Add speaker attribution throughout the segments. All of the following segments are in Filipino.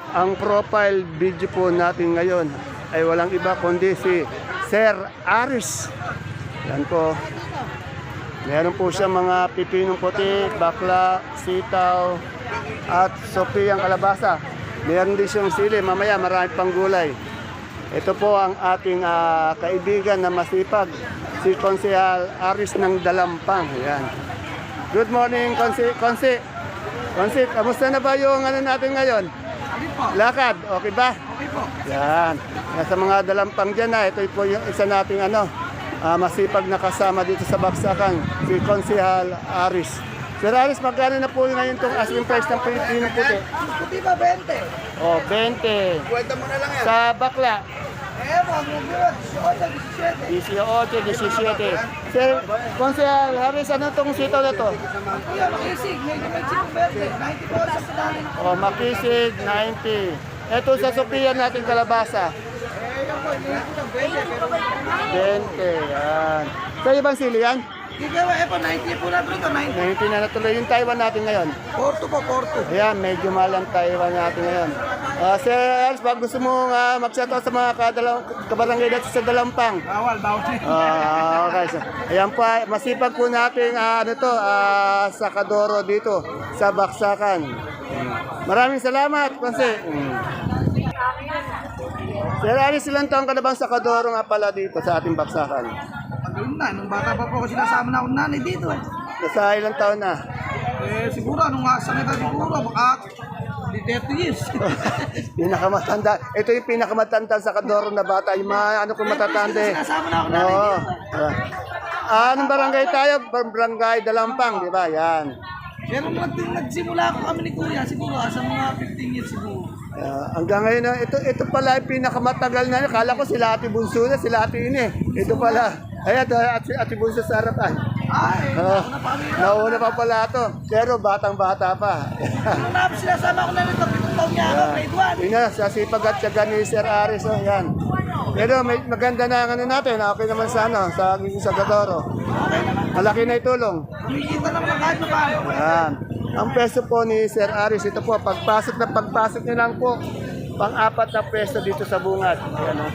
Speaker 1: Ang profile video po natin ngayon ay walang iba kundi si Sir Aris. Yan po. Meron po siya mga pipinong puti, bakla, sitaw, at sopiyang kalabasa. Meron din siyang sili. Mamaya marami pang gulay. Ito po ang ating kaibigan na masipag, si Konsehal Aris ng Dalampang. Yan. Good morning, Konse. Konse, kamusta na ba yung ano natin ngayon? Lakad, okay ba?
Speaker 2: Okay po.
Speaker 1: Yan. Nasa mga dalampang dyan na. Ito po yung isa nating masipag na kasama dito sa Baksakan, si Konsehal Aris. Sir Aris, magkano na po ngayon itong asking price ng Pilipino puti?
Speaker 2: Puti ba 20?
Speaker 1: Oh, 20.
Speaker 2: Kwenta mo na lang yan.
Speaker 1: Sa bakla,
Speaker 2: Wag mo yun. 18, 17.
Speaker 1: 18, 17. Sir Konsehal Aris, ano itong sitaw na to?
Speaker 2: Kuya, makisig. Medyo may chip 20. 90 po sa pinanin.
Speaker 1: Oh, makisig, 90. Ito sa Sophia natin kalabasa.
Speaker 2: Yan po, inihin ko ng
Speaker 1: 20, yan. Sa ibang sili yan?
Speaker 2: Hindi ka po, 90 po na ito. 90.
Speaker 1: 90 na natuloy yung Taiwan natin ngayon.
Speaker 2: Porto po, Porto.
Speaker 1: Ayan, medyo mahal ang Taiwan natin ngayon. Sir Ernst, pag gusto mo mag-shoutout sa mga kabarangay dito sa Dalampang.
Speaker 2: Bawal.
Speaker 1: Okay. So, ayan po, masipag po natin sa Kadoro dito sa Baksakan. Maraming salamat, Konse. Sir Ernst, ilang taon ka na bang sa Kadoro nga pala dito sa ating Baksakan?
Speaker 2: Pagkain na, nung bata pa po ako sinasama na akong nanay dito.
Speaker 1: Nasa ilang taon na?
Speaker 2: Siguro, nung sa kita siguro, baka 30 years.
Speaker 1: Pinakamatanda. Ito yung pinakamatanda sa Kadoro na bata. Yung mga kung matatanda eh.
Speaker 2: Sinasama na akong nanay
Speaker 1: Oo.
Speaker 2: dito.
Speaker 1: Anong barangay tayo? Barangay Dalampang, di ba? Yan.
Speaker 2: Pero nagsimula ako kami ni Kuya, siguro sa mga 15 years siguro.
Speaker 1: Hanggang ngayon, ito pala yung pinakamatagal na. Kala ko sila Ate Bunso na, sila Ate Ine. Ito pala. Ayan, Ate Bunso sa harapan.
Speaker 2: Ay,
Speaker 1: Nauna pa pala ito. Pero batang-bata pa.
Speaker 2: nung sinasama ko na nito, 7 taon niya ako, grade 1.
Speaker 1: Yun na, sa sipag at tiyaga ni Sir Aris. Oh, yan. Pero maganda na ang natin. Okay naman sa Kadoro. Malaki na itulong.
Speaker 2: Kumikita naman kahit na paano.
Speaker 1: Yan. Ang peso po ni Sir Aris, ito po, pagpasok nyo lang po, pang-apat na peso dito sa bungad. Yan, oh.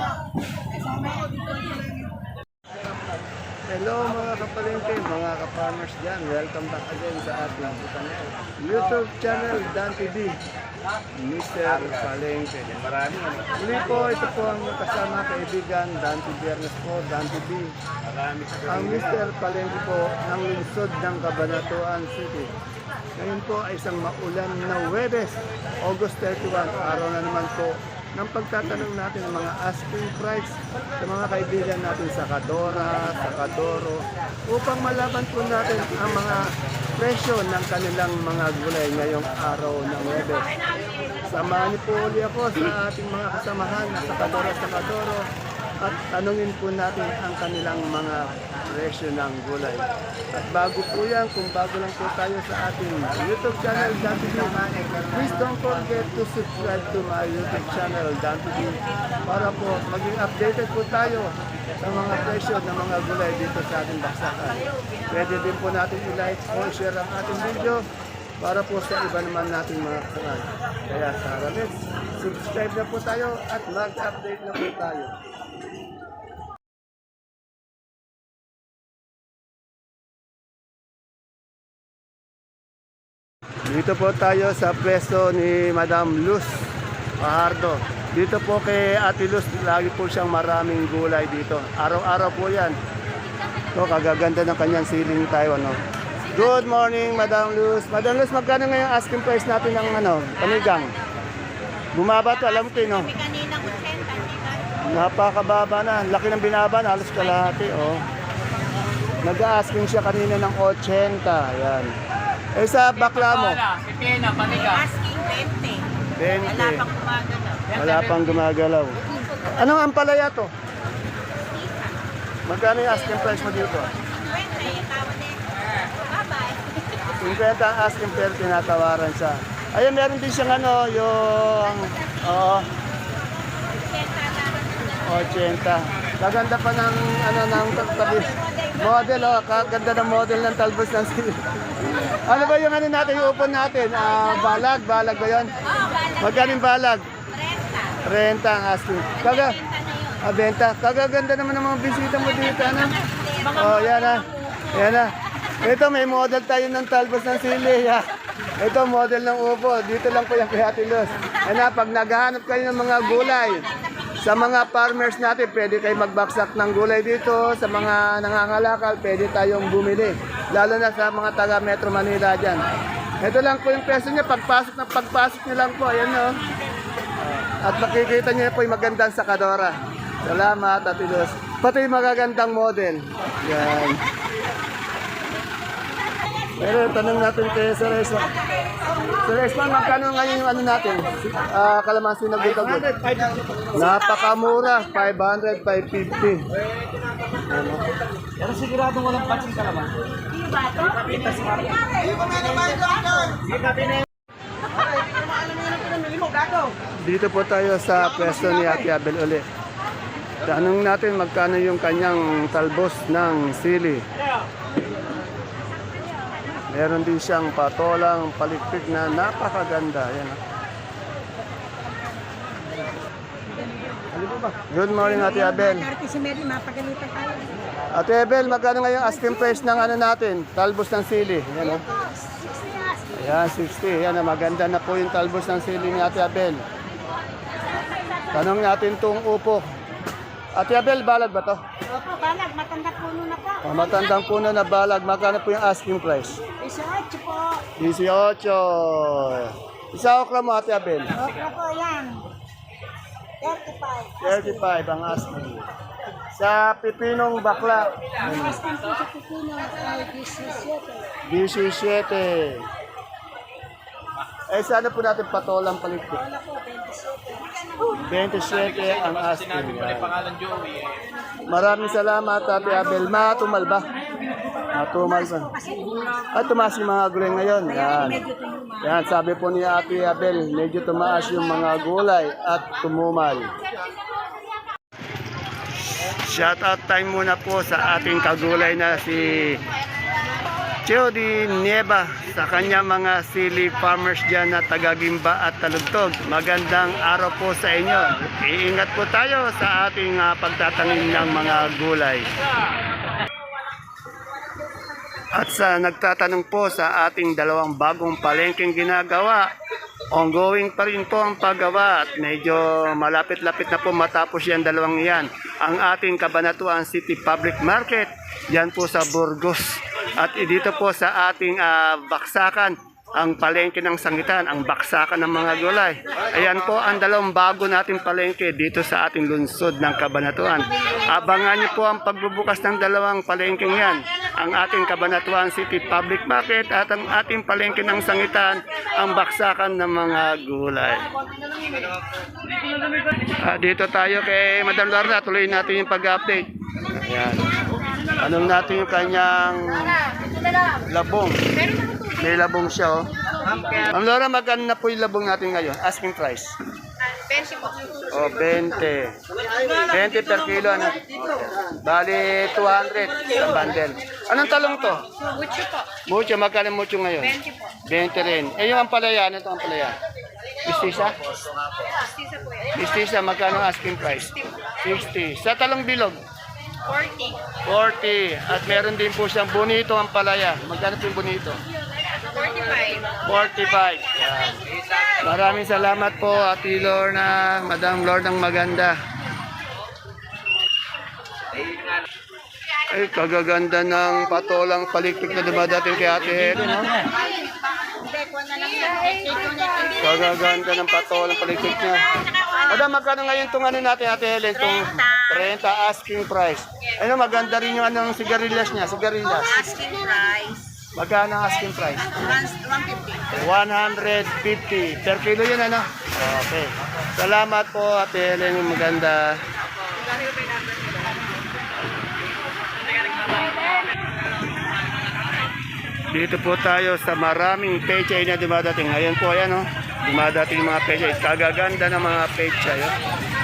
Speaker 1: Hello mga kapalengke, mga ka-farmers dyan. Welcome back again sa ating YouTube channel, Dan TV. Mr. Palengke. Muli po, ito po ang kasama kaibigan, Dan TV Ernest po, Dan TV. Ang Mr. Palengke po ng lungsod ng Cabanatuan City. Ngayon po ay isang maulan na Huwebes, August 31, araw na naman po ng pagtatanong natin ng mga asking price sa mga kaibigan natin sa Kadora, sa Kadoro, upang malaman po natin ang mga presyo ng kanilang mga gulay ngayong araw ng Huwebes. Samahan niyo po uli ako sa ating mga kasamahan sa Kadoro at tanungin po natin ang kanilang mga presyo ng gulay. At bago po yan, kung bago lang po tayo sa ating YouTube channel, Dan TV, please don't forget to subscribe to my YouTube channel, Dan TV, para po maging updated po tayo sa mga presyo ng mga gulay dito sa ating baksakan. Pwede din po natin i-like o share ang ating video para po sa iba naman nating mga kasamahan. Kaya tara, let's subscribe na po tayo at mag-update na po tayo. Dito po tayo sa pwesto ni Madam Luz Fajardo. Dito po kay Ate Luz, lagi po siyang maraming gulay dito. Araw-araw po yan. So, kagaganda ng kanyang siling Taiwan. No? Good morning, Madam Luz. Madam Luz, magkano ngayon asking price natin ng panigang? Bumaba to, alam ko no?
Speaker 3: Kanina 80.
Speaker 1: Napakababa na. Laki ng binaban, halos kalahati. Oh. Nag-asking siya kanina ng 80. Yan. Eh sa bakla mo?
Speaker 3: Pipina, paniga. Asking 20.
Speaker 1: 20.
Speaker 3: Wala pang gumagalaw.
Speaker 1: Wala pang gumagalaw. Anong ampalaya to? Magkano yung asking price mo dito?
Speaker 3: 20, yung tawad eh. Bye-bye.
Speaker 1: 50 ang asking pero tinatawaran siya. Ayun, meron din siyang yung... Oo, 80. Kaganda pa ng tabi. Model, kaganda ng model ng talbos ng sili. Ano ba yung natin, yung upon natin? Balag ba yun?
Speaker 3: Oo, bala.
Speaker 1: Magkano yung balag?
Speaker 3: 30.
Speaker 1: 30 ang asking. Benta. Kagaganda naman ng mga bisita mo dito, ano? Oh, yan na. Yan na. Ito, may model tayo ng talbos ng sili. Ha? Ito, model ng upo. Dito lang po yung kay Ate Luz. Yan na, pag naghahanap kayo ng mga gulay, sa mga farmers natin, pwede kayo magbaksak ng gulay dito. Sa mga nangangalakal, pwede tayong bumili. Lalo na sa mga taga Metro Manila dyan. Ito lang po yung peso niya. Pagpasok niyo lang po. Ayan o. At makikita niyo po yung magandang sakadora. Salamat, Ate Luz. Pati yung magagandang model. Yan. Pero tanong natin kay Sir Esman. Sir Esman, magkano ngayon yung ano natin? Kalamansi na good. Napakamura, 500, 550.
Speaker 2: Pero siguradong walang patsing ka naman.
Speaker 1: Dito po tayo sa pwesto ni Ate Abel uli. Tanong natin magkano yung kanyang talbos ng sili. Meron din siyang patolang palikpik na napakaganda. Yan. Good morning, Ate Abel.
Speaker 3: Si Mary, mapagalitan tayo.
Speaker 1: Ate Abel, magkano ngayong asking price ng ano natin? Talbos ng sili. Yan, oh. Ayan, 60. Yan, maganda na po yung talbos ng sili ni Ate Abel. Tanong natin itong upo. Ate Abel, balag ba to?
Speaker 3: Opo, balag. Matanda puno na po.
Speaker 1: Oh, matandang puno na balag. Magkano po yung asking price?
Speaker 3: 18 po.
Speaker 1: 18. Isa okra mo, Ate Abel.
Speaker 3: Okra po yan. 35.
Speaker 1: 35 ang asking. Sa pipinong bakla,
Speaker 3: Ang asking po sa pipino ay 17.
Speaker 1: 17. Eh, sana po natin patolang paligpit.
Speaker 3: Wala po, 27.
Speaker 1: 27 ang asking. Maraming salamat, Ate Abel. Matumal ba? Matumal ba? At tumaas yung mga gulay ngayon. Yan. Yan, sabi po ni Ate Abel, medyo tumaas yung mga gulay at tumumal. Shout out time muna po sa ating kagulay na si Chody Nieva sa kanya mga sili farmers dyan na taga-Gimba at Talugtog. Magandang araw po sa inyo. Iingat po tayo sa ating pagtatanim ng mga gulay. At sa nagtatanong po sa ating dalawang bagong palengkeng ginagawa, ongoing pa rin po ang paggawa at medyo malapit-lapit na po matapos yan dalawang yan. Ang ating Cabanatuan City Public Market, yan po sa Burgos. At dito po sa ating baksakan, ang palengke ng sangitan, ang baksakan ng mga gulay. Ayan po ang dalawang bago nating palengke dito sa ating lungsod ng Cabanatuan. Abangan niyo po ang pagbubukas ng dalawang palengkeng yan. Ang ating Cabanatuan City Public Market at ang ating palengke ng sangitan, ang baksakan ng mga gulay. Dito tayo kay Madam Lorna, tuloy natin yung pag-update. Ayan. Anong natin yung kanyang labong. May labong siya, oh. Ma'am Laura, magkano na po yung labong natin ngayon? Asking price.
Speaker 3: 20 po.
Speaker 1: Oh, 20. 20 per kilo, ano? Bali, 200 sa bundle. Anong talong to?
Speaker 3: Mucho po.
Speaker 1: Mucho, magkano mucho ngayon?
Speaker 3: 20 po.
Speaker 1: 20 rin. Eh, yung ampalaya, ano ito ampalaya? Mistisa?
Speaker 3: Pastisa po yan.
Speaker 1: Mistisa, magkano asking price? 60. Sa talong bilog?
Speaker 3: 40.
Speaker 1: 40. At meron din po siyang bonito ampalaya. Magkano po yung bonito?
Speaker 3: 45.
Speaker 1: 45. Yan. Maraming salamat po, Ate Lorna, Madam Lornang maganda. Ay, kagaganda ng patolang palikpik na dumadating kay Ate Helen, no? Kagaganda ng patolang palikpik niya. Madam, magkano ngayon itong ano natin, Ate Helen? Itong 30 asking price. Ano, maganda rin yung anong sigarilyas niya, sigarilyas.
Speaker 3: Asking price.
Speaker 1: Magkano ang asking price?
Speaker 3: 150.
Speaker 1: 150 per kilo yun, ano? Okay. Salamat po, Ate Helen, yung maganda. Dito po tayo sa maraming pechay na dumadating. Ngayon po, ayan, oh. Dumadating mga pechay. Kagaganda ng mga pechay, oh.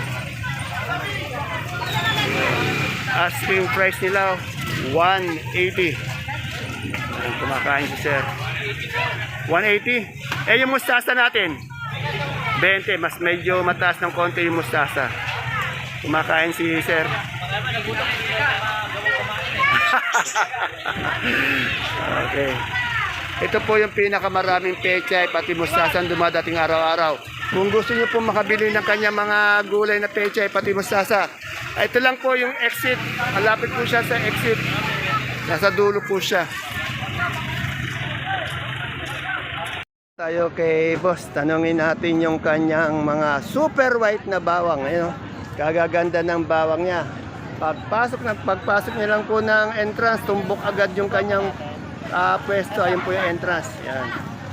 Speaker 1: Asking price nila, 180. Ayan, kumakain si sir. 180. Eh, yung mustasa natin. 20, mas medyo mataas ng konti yung mustasa. Kumakain si sir. Okay. Ito po yung pinakamaraming pechay, pati mustasa ang dumadating araw-araw. Kung gusto niyo po makabili ng kanya mga gulay na pechay, pati mustasa, ito lang po yung exit. Malapit po siya sa exit. Nasa dulo po siya. Tayo kay boss, tanungin natin yung kanyang mga super white na bawang. Ayun, oh. Kagaganda ng bawang niya. Pagpasok niya lang po ng entrance, tumbok agad yung kanyang pwesto. Ayun po yung entrance. Yan.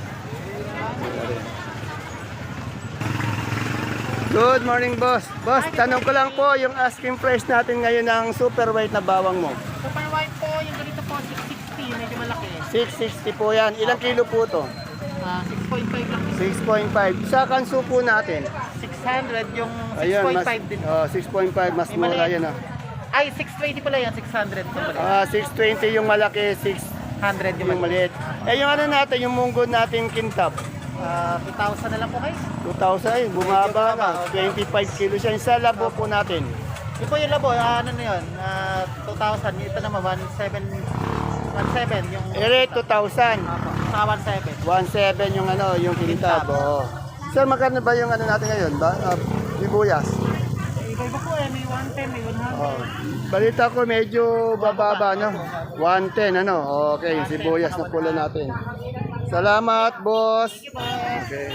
Speaker 1: Good morning, boss. Boss, tanong ko lang po yung asking price natin ngayon ng super white na bawang mo.
Speaker 4: Super white po, yung ganito po, 660, medyo malaki.
Speaker 1: 660 po yan. Ilang kilo po to?
Speaker 4: 6.5 lang.
Speaker 1: 6.5. Sa kanso po natin.
Speaker 4: 600, yung
Speaker 1: Ayun,
Speaker 4: 6.5 din.
Speaker 1: 6.5. Mas mura yan ah.
Speaker 4: Ay, 620 pala yan, 600 po pala.
Speaker 1: 620 yung malaki,
Speaker 4: 100
Speaker 1: yung maliit. Eh yung ano natin, yung munggo natin kintab.
Speaker 4: 2,000 na lang po kayo.
Speaker 1: 2,000 eh, bumaba na. 25 kilo siya. Yung sa labo po natin.
Speaker 4: Yung po yung labo, ano na yun, 2,000. Ito naman, 17 yung...
Speaker 1: Ere, 2,000.
Speaker 4: Sa 17.
Speaker 1: 1,700 yung ano, yung kintab. Oo. Sir, magkano ba yung ano natin ngayon? Sibuyas?
Speaker 4: Iba-iba po eh, may 110, may 100.
Speaker 1: Oh. Balita ko medyo bababa no. 110 ano. Okay, yung sibuyas na pula natin. Salamat, boss. Okay.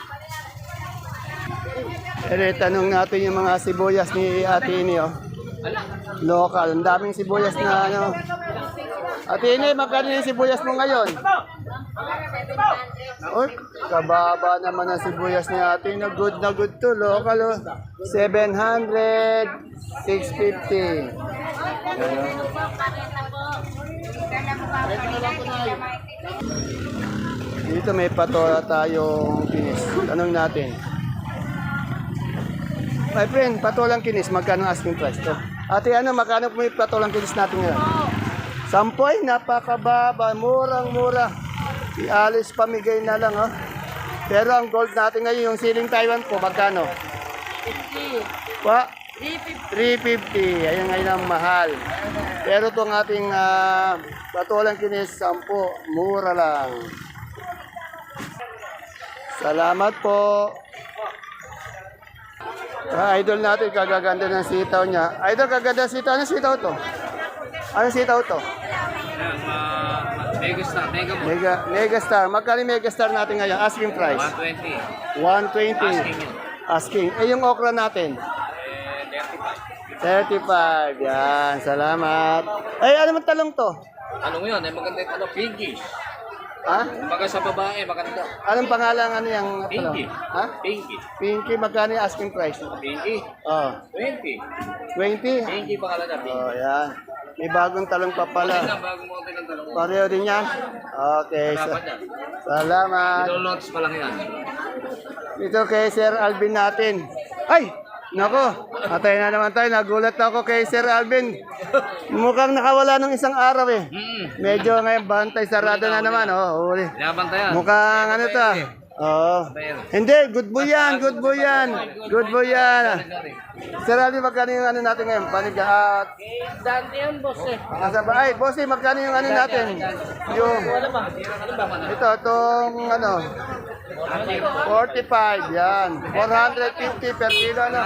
Speaker 1: Tanong natin yung mga sibuyas ni Ate Ini, oh. Local. Ang daming sibuyas na ano. Ate Ini, magkano yung sibuyas mo ngayon? Uy, kababa naman ang sibuyas ni Ate. Na good to. Local, oh. 700, 650. Dito may patola tayong kinis. Tanong natin. My friend, patolang kinis, magkano asking price to? Ate, ano, magkano po yung patolang kinis natin ngayon? Sampoy, napakababa, murang-mura. Si Alice pamigay na lang, oh. Pero ang gold natin ngayon, yung siling Taiwan po, magkano?
Speaker 3: 50.
Speaker 1: Pa?
Speaker 3: 350.
Speaker 1: 350. Ayun ngayon ang mahal. Pero itong ating patolang kinis, 10, mura lang. Salamat po. Idol natin, kagaganda ng sitaw niya. Idol, kaganda ng sitaw. Anong sitaw to? Anong sitaw to? Megastar. Magkano yung Megastar natin ngayon? Asking price? 120. Asking. Eh, yung okra natin? 35. Yan, salamat. Ay, ano man talong to?
Speaker 5: Ano yun? Ay maganda yung ano, pinkish.
Speaker 1: Ha?
Speaker 5: Baga sa babae, maganda.
Speaker 1: Anong pangalan ano yung talong?
Speaker 5: Pinky.
Speaker 1: Ha?
Speaker 5: Pinky.
Speaker 1: Pinky, magkano yung asking price?
Speaker 5: Pinky.
Speaker 1: Oh,
Speaker 5: 20.
Speaker 1: 20?
Speaker 5: Pinky pangalan na, Pinky.
Speaker 1: Oh, yan. May bagong talong pa
Speaker 5: Ano
Speaker 1: pala.
Speaker 5: na, bago mo ng talong.
Speaker 1: Pareho din yan? Okay.
Speaker 5: Dapat yan.
Speaker 1: Salamat.
Speaker 5: Ilo-launch pa lang yan.
Speaker 1: Ito kay Sir Alvin natin. Ay! Nako, atay na naman tayo. Nagulat ako kay Sir Alvin. Mukhang nakawala ng isang araw eh. Medyo ngayon bantay sarado na naman. Oh, huli.
Speaker 5: Binabantayan.
Speaker 1: Mukhang ano to? Oo. Hindi, good boy yan, good boy yan. Good boy yan. Sir Alvin, magkano yung ano natin ngayon? Panigat.
Speaker 4: Dante yan, boss eh.
Speaker 1: Nasa ba? Ay, bossy, magkano yung ano natin? Yung, ito, itong ano, 45, yan. 450 per kilo, ano?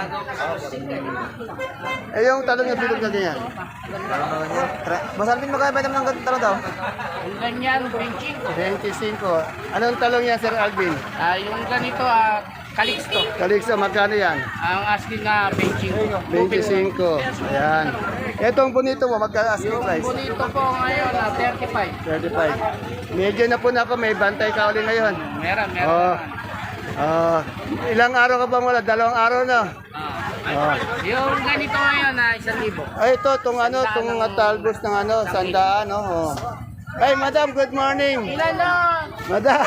Speaker 1: Eh, yung talong yung bilog na ganyan. Masalpin mo kaya ba naman ng talong daw?
Speaker 4: Yung ganyan, 25.
Speaker 1: 25. Anong talong yan, Sir Alvin?
Speaker 4: Yung ganito, Calixto.
Speaker 1: Calixto, magkano yan?
Speaker 4: Ang asking nga, 25.
Speaker 1: 25. Ayan. Etong bonito mo, magkano asking price?
Speaker 4: Bonito po ngayon, 35.
Speaker 1: 35. Medyo na po na ako, may bantay ka ulit ngayon.
Speaker 4: Meron.
Speaker 1: Oh. Ilang araw ka bang wala? 2 araw na. Oh.
Speaker 4: Yung ganito ngayon, 1,000.
Speaker 1: Ay, ito, itong ano, itong talbos ng ano, 100, no? Oh. Ay, madam, good morning.
Speaker 4: Ilan lang?
Speaker 1: Madam.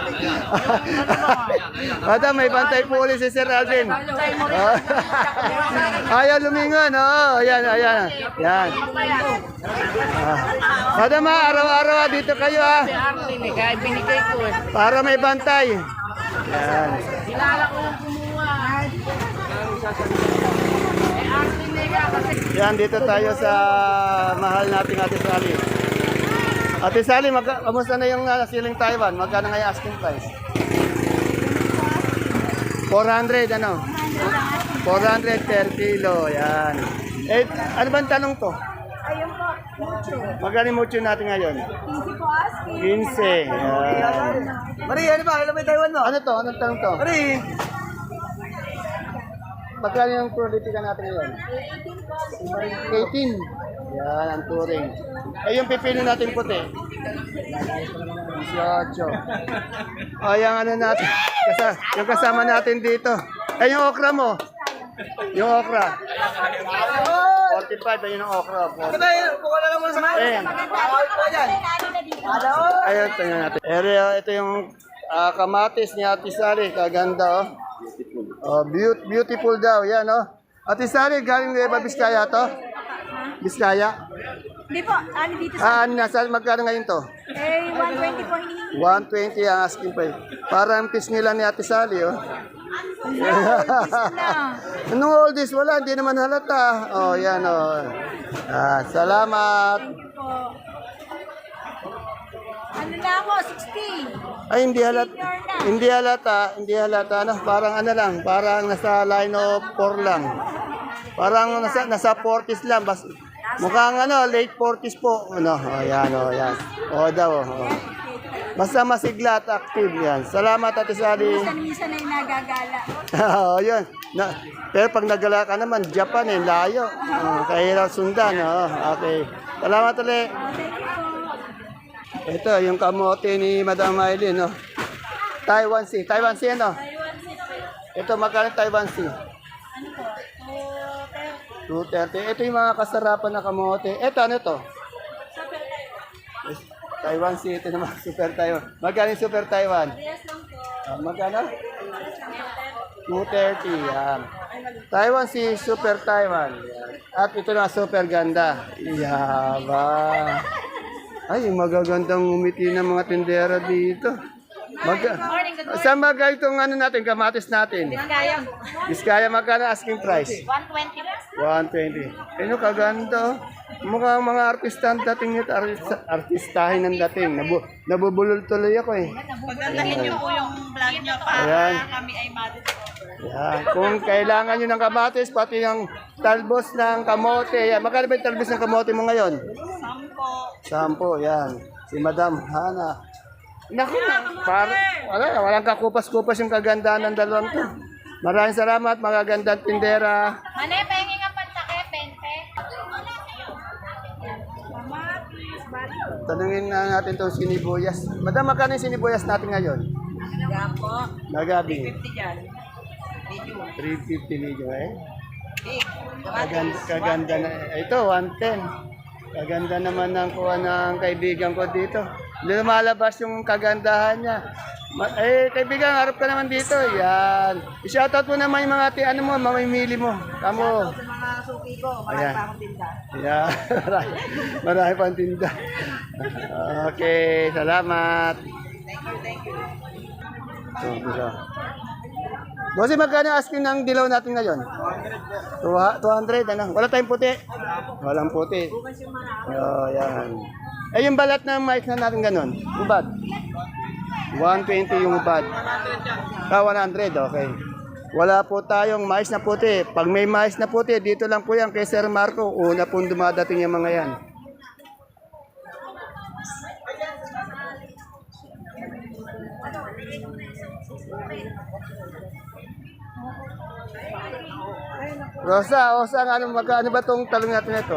Speaker 1: Madam, may bantay po ulit si Sir Alvin. Oh. Ayaw lumingon, oh. Ayan. Yan. Madam, araw-araw dito kayo,
Speaker 4: Si Arlene, kaya binigay ko eh.
Speaker 1: para may bantay. Yan. Yan, dito tayo sa mahal nating Ate Sally. Ate Sally, kamusta na yung siling Taiwan? Magkano nga yung asking price? 400, ano? 400 per kilo, yan. Eh, ano bang tanong to?
Speaker 3: Ayun po, mucho.
Speaker 1: Magkano yung mucho natin ngayon?
Speaker 3: 15 po asking.
Speaker 1: 15, yan.
Speaker 2: Mari, ano ba? Kailan may Taiwan mo?
Speaker 1: Ano to? Anong tanong to?
Speaker 2: Mari,
Speaker 1: Magkano yung politika natin ngayon? 18. Yan, ang turing. Eh, yung pipili natin puti? 18. O, yung ano natin, yung kasama natin dito. Eh, yung okra mo? Yung okra? 45, ayun ang okra.
Speaker 2: ano ba yun? Kuha na lang muna sa mga.
Speaker 1: Eh,
Speaker 2: Bawal po yan.
Speaker 1: ayun, tingnan natin. Ito yung kamatis ni Ate Sally. Kaganda, oh. Oh, beautiful daw, yan, oh. Ate Sally, galing Nueva Vizcaya to? Vizcaya?
Speaker 3: Hindi po, ano dito sa...
Speaker 1: Nasa magkano ngayon to?
Speaker 3: Eh, 120 po hinihingi.
Speaker 1: 120 ang asking price. Parang piece nila ni Ate Sally, oh.
Speaker 3: Na.
Speaker 1: Anong all this? Wala, hindi naman halata. Oh, yan, oh. Salamat.
Speaker 3: Po. Ano na ako, 60.
Speaker 1: Ay, hindi halata. Hindi halata. Hindi halata. Ano? Parang ano lang. Parang nasa line of 4 lang. Parang nasa 40s lang. Mukhang ano, late 40s po. Ano? Oh, yan, oh, yan. Oh, daw, oh. Basta masigla at active yan. Salamat, Ate Sally.
Speaker 3: Minsan ay nagagala.
Speaker 1: Oo, yun. Pero pag nagala ka naman, Japan eh, layo. Kahirap sundan. Okay. Salamat ulit. Ito, yung kamote ni Madam Maylin. No? Taiwan Sea. Taiwan Sea, ano? Ito, magkano Taiwan Sea?
Speaker 3: Ano po?
Speaker 1: 230. Ito yung mga kasarapan na kamote. Ito, ano to? Taiwan Sea. Ito naman, Super Taiwan. Magkano yung Super Taiwan? Magkano? 230. Yan. Taiwan Sea, Super Taiwan. Yan. At ito na, super ganda. Yaba. Ay, magagandang umiti ng mga tindera dito. Saan bagay itong ano natin, kamatis natin? Biskaya, magkano asking price? 120. Ano kaganda. Mukhang mga artista ang dating nito, artistahin ang dating. Nabubulol tuloy ako eh.
Speaker 6: Pagandahin niyo po yung vlog niyo para
Speaker 1: Ayan.
Speaker 6: kami ay madiscover.
Speaker 1: Yan. Kung kailangan nyo ng kamatis, pati yung talbos ng kamote. Yan. Magkano ba yung talbos ng kamote mo ngayon? 10. Yan. Si Madam Hana. Naku, walang kakupas-kupas yung kagandahan ng dalawang to. Maraming salamat, magagandang tindera.
Speaker 3: Mane, pengi nga pansake, 20.
Speaker 1: Tanungin na natin itong sinibuyas. Madam, magkano yung sinibuyas natin ngayon? Nagabi.
Speaker 6: 50 dyan.
Speaker 1: 350 medyo eh. Kaganda na. Ito, 110. Kaganda naman ng kuha ng kaibigan ko dito. Lumalabas yung kagandahan niya. Kaibigan, harap ka naman dito. Yan. I-shoutout mo naman yung mga ano mo, mamimili mo. Kamo.
Speaker 6: Sa mga suki ko, marami
Speaker 1: Ayan.
Speaker 6: pa akong tinda.
Speaker 1: Yeah. Marami pang tinda. Okay, salamat.
Speaker 6: Thank you.
Speaker 1: So, Bossy, magkano asking ng dilaw natin ngayon? 200, ano? Wala tayong puti? Walang puti. Yan. Eh, yung balat ng mais na natin ganun? Ubad? 120 yung ubad. 100, okay. Wala po tayong mais na puti. Pag may mais na puti, dito lang po yan kay Sir Marco. Una pong dumadating yung mga yan. Rosa, magkano ba itong talong natin ito?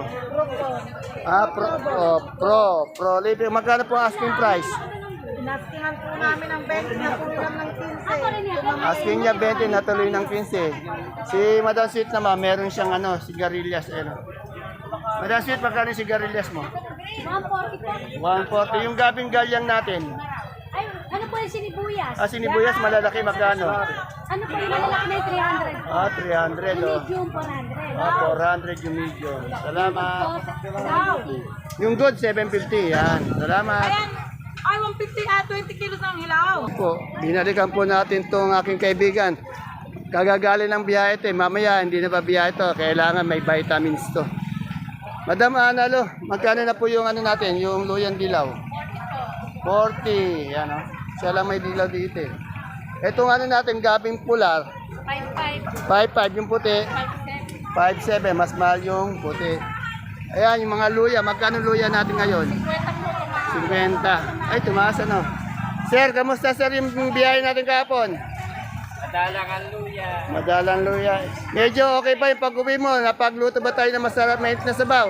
Speaker 1: Pro. Libre, magkano po ang asking price?
Speaker 6: Naskingan po namin ang 20 na kulang ng 15.
Speaker 1: Asking niya 20, natuloy ng 15. Si Madam Sweet naman, meron siyang sigarilyas. Madam Sweet, magkano yung sigarilyas mo?
Speaker 3: 140 po.
Speaker 1: 140. Yung gabing galyang natin.
Speaker 3: Ay, ano po yung sinibuyas?
Speaker 1: Sinibuyas, malalaki, magkano?
Speaker 3: Ano po yung malalaki na yung 300?
Speaker 1: 300, oh.
Speaker 3: Medium 400.
Speaker 1: 400 yung medium. Salamat.
Speaker 3: Wow.
Speaker 1: Yung good, 750. Yan. Salamat.
Speaker 6: Ay, 150 20 kilos ng hilaw.
Speaker 1: Po, binalikan po natin tong aking kaibigan. Kagagaling ng biyahe ito. Mamaya, hindi na pa biyahe ito. Kailangan may vitamins to. Madam Analo, magkano na po yung ano natin, yung luyang dilaw? 40. Yan o. Siya lang may dilaw dito eh. Itong ano natin, gabing pular. 5.5 yung puti. 5.7. Mas mahal yung puti. Ayan, yung mga luya. Magkano luya natin ngayon? 50. Ay, tumaas ano. Sir, kamusta sir yung biyahe natin kahapon? Madalang luya. Medyo okay pa yung pag-uwi mo? Napagluto ba tayo na masarap mainit na sabaw?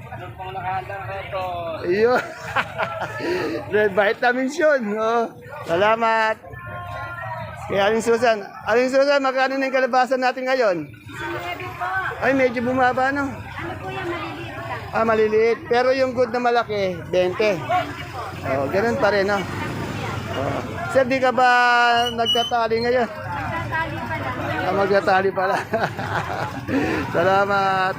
Speaker 1: Iyo. Red vitamins yun. Oh. Salamat. Kaya Aling Susan, magkano na yung kalabasan natin ngayon? Ay, medyo bumaba, no? Maliliit. Pero yung good na malaki, 20. Oh, ganun pa rin, no? Oh. Sir, di ka ba nagtatali ngayon? Magtatali pala. Salamat.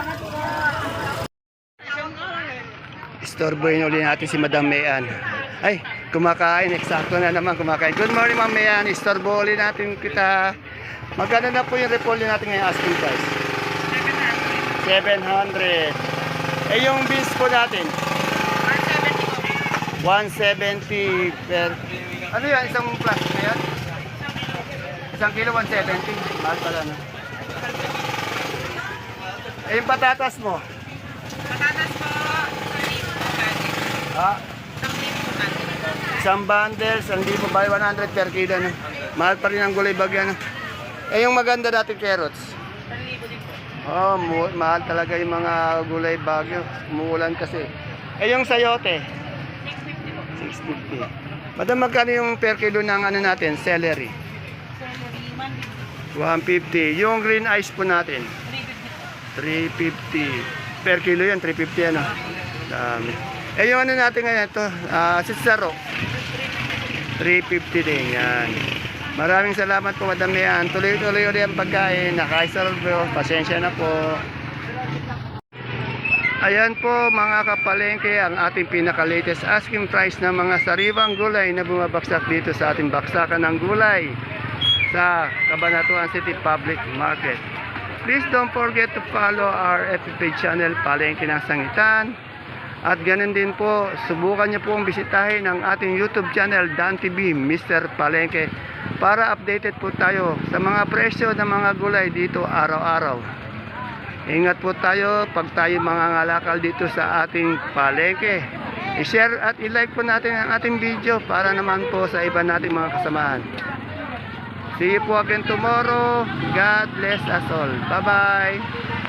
Speaker 1: Istorbohin uli natin si Madam Mayan. Ay, kumakain. Eksakto na naman kumakain. Good morning, Ma'am Mayan. Istorbo uli natin kita. Magkano na po yung repolyo natin ngayon asking price? 700. Eh, yung beans po natin? 170 per... Ano yan? Isang plastic na yan? Isang kilo, 170. Mahal pala, no? Eh, yung patatas mo? Ah, isang bundle, 1,000 by 100 per kilo. No? Mahal pa rin ang gulay bagyan. No? Eh, yung maganda natin carrots. Oh, mahal talaga yung mga gulay bagyo. Umuulan kasi. Eh, yung sayote. 650. Madam, magkano yung per kilo ng ano natin? Celery. 150. Yung green ice po natin. 350. Per kilo yan, 350 ano. Dami. Eh yung ano natin ngayon ito, sitsaro. 350 din yan. Maraming salamat po Madam Mayan. Tuloy-tuloy ulit ang pagkain. Nakaisalvo. Pasensya na po. Ayan po mga kapalengke ang ating pinaka-latest asking price ng mga sariwang gulay na bumabaksak dito sa ating baksakan ng gulay sa Cabanatuan City Public Market. Please don't forget to follow our FB page channel Palengke ng Sangitan. At ganun din po, subukan niyo pong bisitahin ang ating YouTube channel Dan TV Mr. Palengke para updated po tayo sa mga presyo ng mga gulay dito araw-araw. Ingat po tayo pag tayo mangangalakal dito sa ating palengke. I-share at i-like po natin ang ating video para naman po sa iba nating mga kasamahan. See you po again tomorrow. God bless us all. Bye-bye.